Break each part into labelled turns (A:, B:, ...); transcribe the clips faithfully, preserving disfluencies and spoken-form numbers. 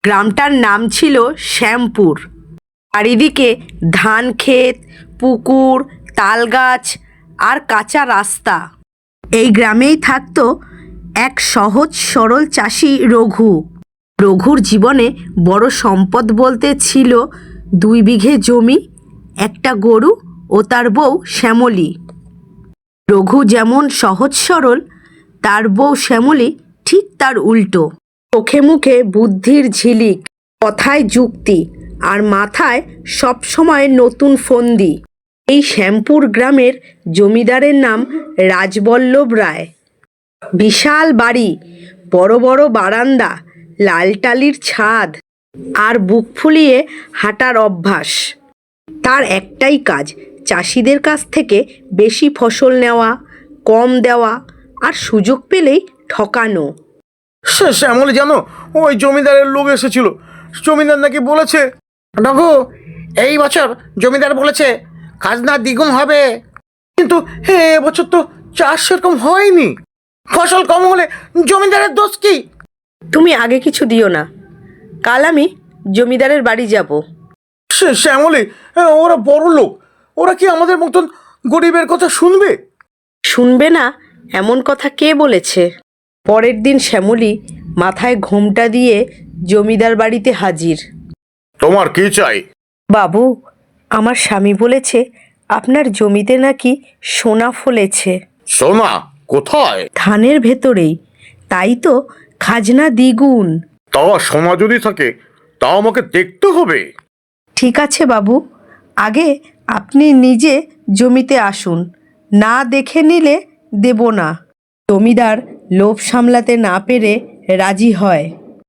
A: গ্রামটার নাম ছিল শ্যামপুর। চারিদিকে ধান ক্ষেত, পুকুর, তালগাছ আর কাঁচা রাস্তা। এই গ্রামেই থাকতো এক সহজ সরল চাষি রঘু। রঘুর জীবনে বড় সম্পদ বলতে ছিল দুই বিঘে জমি, একটা গরু ও তার বউ শ্যামলী। রঘু যেমন সহজ সরল, তার বউ শ্যামলী ঠিক তার উল্টো। চোখে মুখে বুদ্ধির ঝিলিক, কথায় যুক্তি, আর মাথায় সবসময় নতুন ফন্দি। এই শ্যামপুর গ্রামের জমিদারের নাম রাজবল্লভ রায়। বিশাল বাড়ি, বড় বড় বারান্দা, লাল টালির ছাদ, আর বুক ফুলিয়ে হাঁটার অভ্যাস। তার একটাই কাজ, চাষিদের কাছ থেকে বেশি ফসল নেওয়া, কম দেওয়া, আর সুযোগ পেলেই ঠকানো।
B: সে শ্যামলী জানো, ওই জমিদারের লোক এসেছিল। জমিদার নাকি বলেছে,
C: রঘু, এই বছর জমিদার বলেছে খাজনা দ্বিগুণ হবে।
B: কিন্তু হে এবছর তো চাষ সেরকম হয়নি।
C: ফসল কম হলে জমিদারের দোষ কি?
A: তুমি আগে কিছু দিও না, কাল আমি জমিদারের বাড়ি যাব।
B: সে শ্যামলী, ওরা বড় লোক, ওরা কি আমাদের মতন গরিবের কথা শুনবে?
A: শুনবে না এমন কথা কে বলেছে? পরের দিন শ্যামলী মাথায় ঘোমটা দিয়ে জমিদার বাড়িতে হাজির।
B: তোমার কি চাই?
A: বাবু, আমার স্বামী বলেছে আপনার জমিতে নাকি সোনা ফলেছে।
B: সোনা কোথায়?
A: ধানের ভেতরেই, তাই তো খাজনা দ্বিগুণ।
B: তা সোনা যদি থাকে তা আমাকে দেখতে হবে।
A: ঠিক আছে বাবু, আগে আপনি নিজে জমিতে আসুন, না দেখে নিলে দেব না। জমিদার লোভ সামলাতে না পেরে রাজি হয়।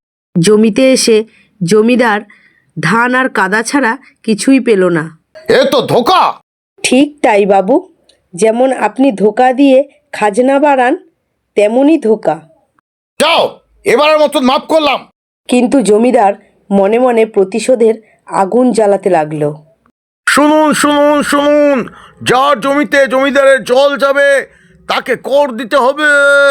A: জমিতে এসে জমিদার ধান আর কাদা ছাড়া কিছুই পেল না।
B: এ তো ধোঁকা।
A: ঠিক তাই বাবু, যেমন আপনি ধোঁকা দিয়ে খাজনা বাড়ান, তেমনই ধোঁকা।
B: যাও, এবারের মতন মাফ করলাম।
A: কিন্তু জমিদার মনে মনে প্রতিশোধের আগুন জ্বালাতে লাগলো।
B: শুনুন শুনুন শুনুন, যার জমিতে জমিদারের জল যাবে তাকে কর দিতে হবে।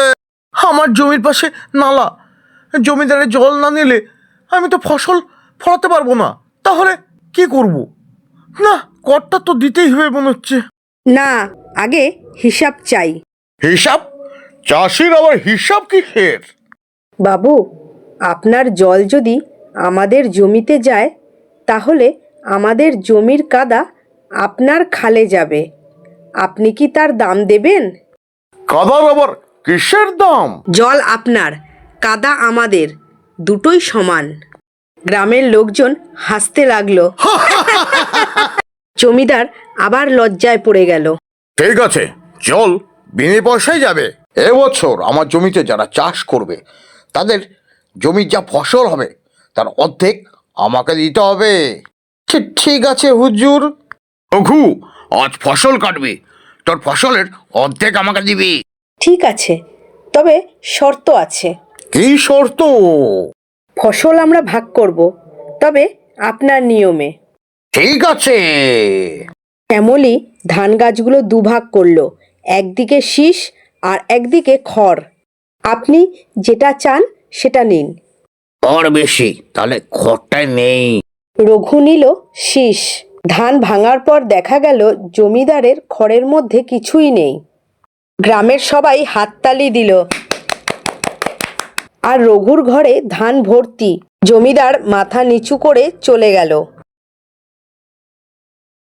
B: আমার জমির পাশে নালা, জমিদারের জল না নিলে আমি তো ফসল ফলাতে পারবো না। তাহলে কি করব? না, করটা তো দিতেই হবে মনে হচ্ছে।
A: না, আগে হিসাব চাই।
B: হিসাব? চাষির আবার হিসাব কিসের?
A: বাবু, আপনার জল যদি আমাদের জমিতে যায়, তাহলে আমাদের জমির কাদা আপনার খালে যাবে। আপনি কি তার দাম দেবেন?
B: কাদার আবার কিসের দাম?
A: জল আপনার, কাদা আমাদের, দুটোই সমান। গ্রামের লোকজন হাসতে লাগলো। জমিদার আবার লজ্জায় পড়ে গেল।
B: ঠিক আছে, জল বিনে পয়সায় যাবে। এবছর আমার জমিতে যারা চাষ করবে তাদের জমির যা ফসল হবে তার অর্ধেক আমাকে দিতে হবে। ঠিক আছে হুজুর। রঘু, আজ ফসল কাটবি, তোর ফসলের অর্ধেক আমাকে দিবি।
A: ঠিক আছে, তবে শর্ত আছে।
B: কি শর্ত?
A: ফসল আমরা ভাগ করব, তবে আপনার নিয়মে।
B: ঠিক আছে।
A: শ্যামলী ধান গাছগুলো দুভাগ করলো, একদিকে শীষ আর একদিকে খড়। আপনি যেটা চান সেটা নিন।
C: খড় বেশি, তাহলে খড়টাই নেই।
A: রঘু নিল শীষ। ধান ভাঙার পর দেখা গেল জমিদারের খড়ের মধ্যে কিছুই নেই। গ্রামের সবাই হাততালি দিল, আর রঘুর ঘরে ধান ভর্তি। জমিদার মাথা নিচু করে চলে গেল।